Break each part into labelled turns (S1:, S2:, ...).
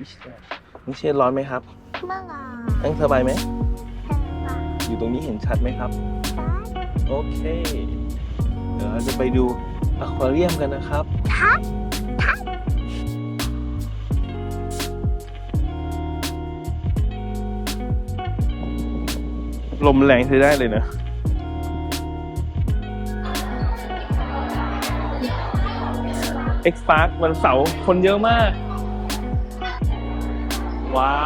S1: นี่เชนร้อนไหมครับ
S2: ไม่หรอก
S1: นั่งสบายไหมอยู่ตรงนี้เห็นชัดไหมครับ โอเค เดี๋ยวเราจะไปดูอควาเรียมกันนะครับ
S2: ทัด
S1: ลมแรงใช้ได้เลยนะ X Park วันเสาร์คนเยอะมาก ว้าว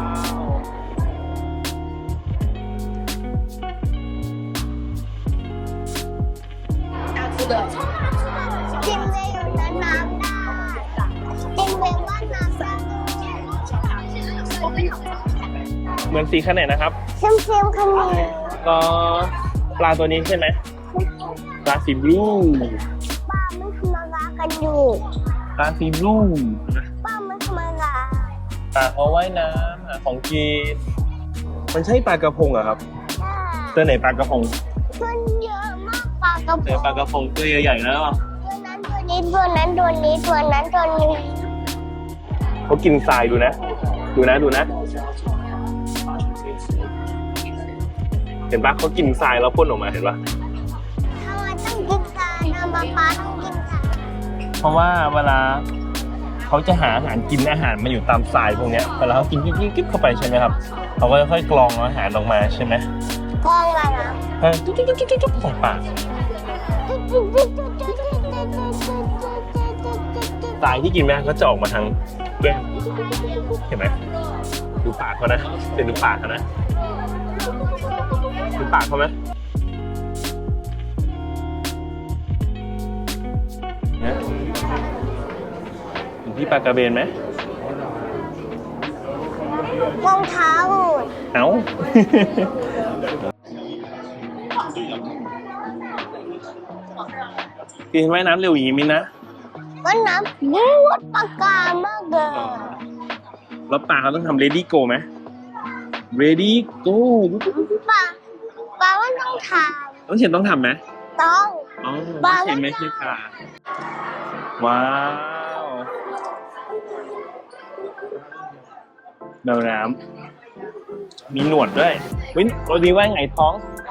S2: จินเวย์อยู่ในน้ำได้จินเวย์ว่ายน้ำได้
S1: เหมือนสีขนาดนะครับ
S2: เค็มๆคันนี้
S1: ก็ปลาตัวนี้ใช่ไหมปลาสีบลู
S2: ป้าไม่ทำอะไรกันอยู่
S1: ปลาสีบลู
S2: ป้าไม่ทำอะไร
S1: ปลาเขาว่ายน้ำหาของกินมันใช่ปลากระพงเหรอครับเจอไหนปลากระพง
S2: มันเยอะมากปลากระพ
S1: เจอง ปลากระพงตัวใหญ่ๆแล้ว
S2: ตัวนั้นตัวนี้ตัวนั้นตัวนี้ตัวนั้นตัวนี้
S1: เขากินทรายดูนะ ดูนะ เห็นปะเขากินทรายแล้วพ่นออกมาเห็นปะ
S2: ทำไมต้องกินปลาทำไมปลาต้องกินปลา
S1: เพราะว่าเวลาเขาจะหาอาหารกินอาหารมันอยู่ตามทรายพวกเนี้ยเวลาเขากินกิ๊บเข้าไปใช่ไหมครับเขาก็จะค่อยกรองอาหารออกมาใช่ไหม
S2: กองอะไรนะ
S1: จุ๊บใส่ปากทรายที่กินไปก็จะออกมาทางแก้มเห็นไหมดูปากเขานะเป็นดูปากเขานะดูปากเขาไหมเนี่ยเห็นพี่ปลากระเบนไหม
S2: รองเท้า
S1: เอ้า กินว่ายน้ำเร็วอย่างนี้มินนะ
S2: ว่าน้ำบูดปากกามากเลย
S1: แล้วปลาเขาต้องทำ ready go ไหม ready go
S2: ปลาว่าต้องท
S1: ต้องเชนต้องทำไหม
S2: ำต้อง
S1: อ๋อ
S2: ปลา
S1: เชนไม่ใช่ปลาว้าวดำน้ำมีหนวดด้วยวินตัวนี้ว่าไงท้อง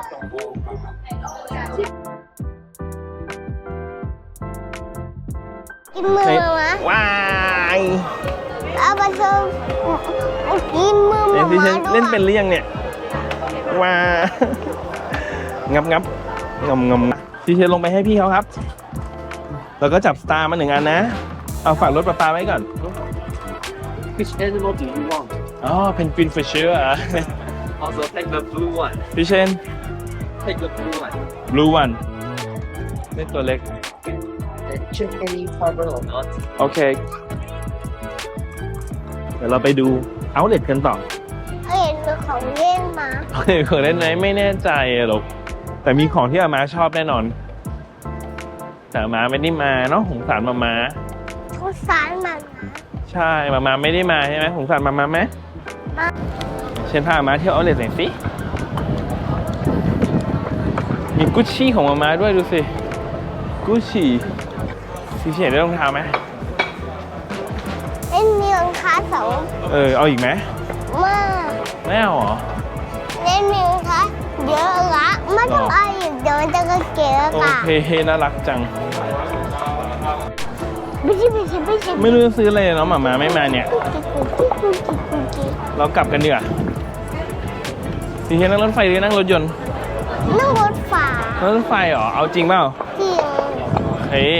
S2: กินมือมะ
S1: ว้าย
S2: เอาไปเถอะกินมือ
S1: เล่น
S2: มา
S1: ที่ฉัน
S2: ด้วย
S1: เล่นเป็นหรือยังเนี่ยว้างับงำที่ฉันลงไปให้พี่เขาครับ แล้วก็จับสตาร์มา1 อันนะ เอาฝากรถปลาไว้ก่อน
S3: Which animal do you want?
S1: อ๋อเพนกวินฟิชเชอร์อ่ะ
S3: Also take the blue one.
S1: พี่เชน
S3: Take the blue one.
S1: บลูวันนี่ตัวเล็ก
S3: Check any fiber or not.
S1: โอเค เดี๋ยวเราไปดูเอาเล็ตกันต่อ
S2: เห็นมือของเล่นมา
S1: เคยเล่นไหมไม่แน่ใจอะหรอกแต่มีของที่อาม่าชอบแน่นอน แต่อาม่าไม่ได้มาเนาะสงสารมาม่า
S2: ทุกสารมันนะ
S1: ใช่มาม่าไม่ได้มาใช่ไหมสงสารมาม่าไหม
S2: มา
S1: เชนพาอาม่าเที่ยวเอาเล็ตหน่อยสิมีกุชชี่ของมาม่าด้วยดูสิกุชชี่พี่เชนได้รองเท้าไหม
S2: เล่นมีรองเท้าสอง
S1: เอาอีกไหม
S2: มาก
S1: ไม่เอาเหรอ
S2: เล่นมีรองเท้าเยอะละไม่ต้องเอาอีกเดี๋ยวมันจะกระเกะ
S1: โอ
S2: กะ
S1: เคน่ารักจัง
S2: ไม่ใช่
S1: ไม่รู้จะซื้ออะไรเนาะหมาไม่มาเนี่ย เรากลับกันดีกว่าพี่เชนนั่งรถไฟหรือนั่งรถยนต์
S2: นั่งรถฝา
S1: นั่งรถไฟเหรอเอาจริงเปล่า
S2: จริง
S1: เฮ้ย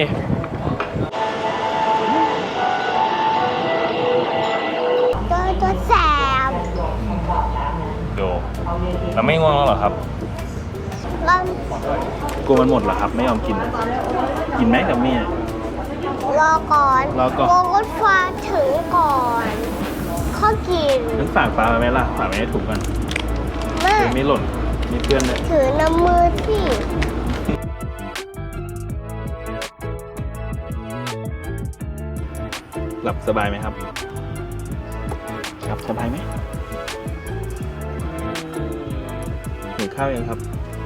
S2: ตัวแสบ
S1: ดูเราไม่ง่วงแล้วเหรอครับ
S2: เรา
S1: กลัวมันหมดเหรอครับ ไม่ยอมกิน กินไหมกับเมีย
S2: รอก่อน
S1: รอก่อน
S2: รถไฟถึงก่อนข้อกิน
S1: งั้นฝากปลาไว้ไหมล่ะฝากไว้ในถุงกัน
S2: แม่
S1: เดี๋ยวไม่หล่นมีเพื่อนเลย
S2: ถือน้ำมือที่
S1: หลับสบายไหมครับหลับสบายไหมหิวข้าวยังครับ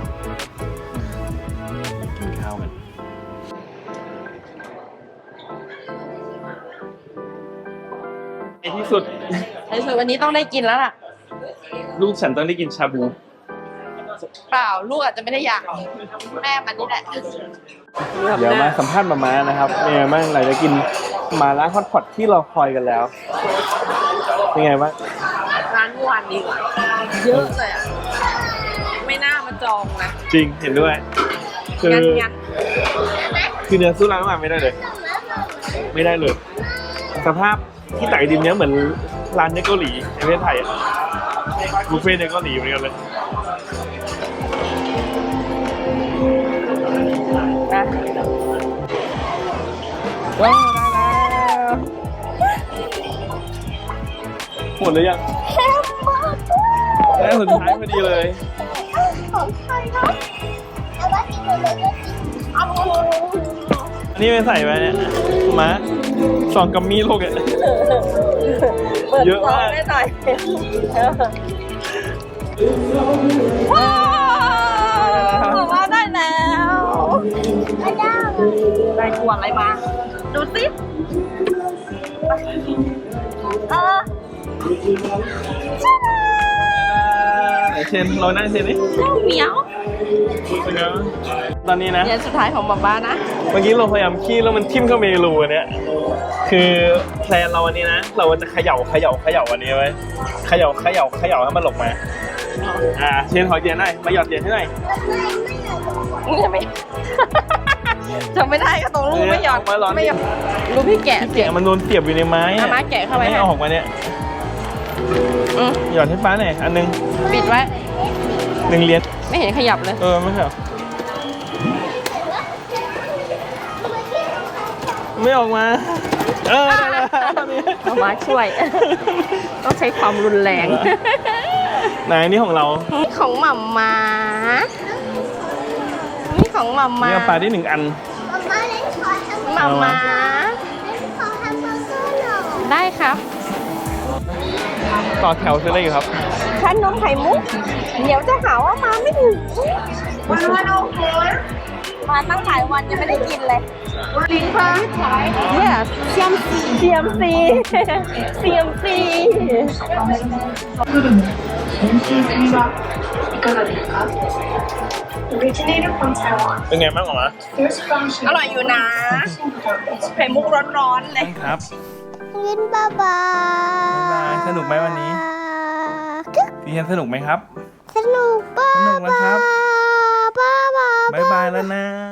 S1: กินข้าวกันไอ้ที่สุด
S4: ในสุดวันนี้ต้องได้กินแล้วล่ะ
S1: ลูกฉันต้องได้กินชาบู
S4: เปล่าลูกอาจจะไม่ได้อยากแม่มันนี่แหละ
S1: เดี๋ยวมาสัมภาษณ์มานะครับเป็นไงบ้างหลังจากกินหมาล่าฮอตพอตที่เราคอยกันแล้ว เป็นไงบ้าง
S4: ร้านเมื่อวานดีกว่าเยอะเลยอ่ะ ไม่น่ามาจองนะ
S1: จริงเห็นด้วย คือ
S4: งั้น
S1: คือเนื้อสู้ร้านอาหารไม่ได้เลย ไม่ได้เลย สภาพที่ตักไอติมเนี้ยเหมือนร้านเนเกาหลีในประเทศไทยอะบุฟเฟ่ต์เนเกาหลีเหมือนกันเลย
S4: นะ
S1: ว้าวได้แล้วหมดหรือยังได้สุดท้ายพอดีเลย
S2: ของใครครับเอาไว้กินเลยก็กินเอา
S1: อันนี้ไปใส่ไปเนี่ยมาซองกัมมี่ลูกอะ
S4: เปิด
S1: เยอะ
S4: ซอง
S1: มาก
S4: ได้หน่อยบอกว่าได้แล้ว
S2: ไม่ได้
S4: ได้ขวดอะไรมา ดูสิเออ
S1: เชนเรานั่งเชนนี่
S4: เจ้าเหมียว
S1: ตอนนี้นะ
S4: เย็นสุดท้ายของบ๊าบ้านะ
S1: เมื่อกี้เราพยายามขี้แล้วมันทิ่มเข้าเมรูอันเนี้ยคือแพลนเราวันนี้นะ เราจะเขย่าอันนี้ไว้เขย่าให้มันหลบมาเชนขอเทียนหน่อยมาหยอดเทียนให้หน่อย
S4: จะไม่ จะไม่ได้ก็ตรงลูกไม่หยอด
S1: มาร้อน
S4: ไม่หยอดลูกพี่แกะ
S1: แกะมันโดนเสียบอยู่ในไม้
S4: เอามาแกะเข้าไป
S1: ไม่
S4: ให้
S1: ออกมาเนี่ย
S4: อืม
S1: หยอดให้ป้าหน่อยอันนึง
S4: ปิดไว้
S1: 1 เหรียญ
S4: ไม่เห็นขยับเลย
S1: ไม่ใช่หรอไม่ออกมาได้แล้วตอนนี้
S4: เอามาช่วย ต้องใช้ความรุนแรง
S1: ไหนนี่ของเรา
S4: นี่ของหม่ำมานี่ของหม่ำมา
S1: นี่เอาปลาได้1 อัน
S2: มาเล่นขอทำ
S4: หม่ำมา
S2: เล่นขอทำเบอร์เกอร์หน่อย
S4: ได้ครับ
S1: ต่อแถวซื้ออะไรอยู่ครับ
S4: ขนมไข่มุก เดี๋ยวจะหาว่ามาไม่ถึงมาโอเคมาตั้งหลายวันยังไม่ได้กินเลยลิงค่ะเนี่ยเซียมซี
S1: เป็นไงบ้างหรอ
S4: อร่อยอยู่นะ ไข่มุกร้อนๆเลย
S1: ครับ
S2: ยินบ๊ายบาย
S1: สนุกไหมวันนี้พี่เชนสนุกไหมครับ
S2: สนุกป้า
S1: สนุกนะครับ
S2: ป้า
S1: บ๊ายบายแล้วนะ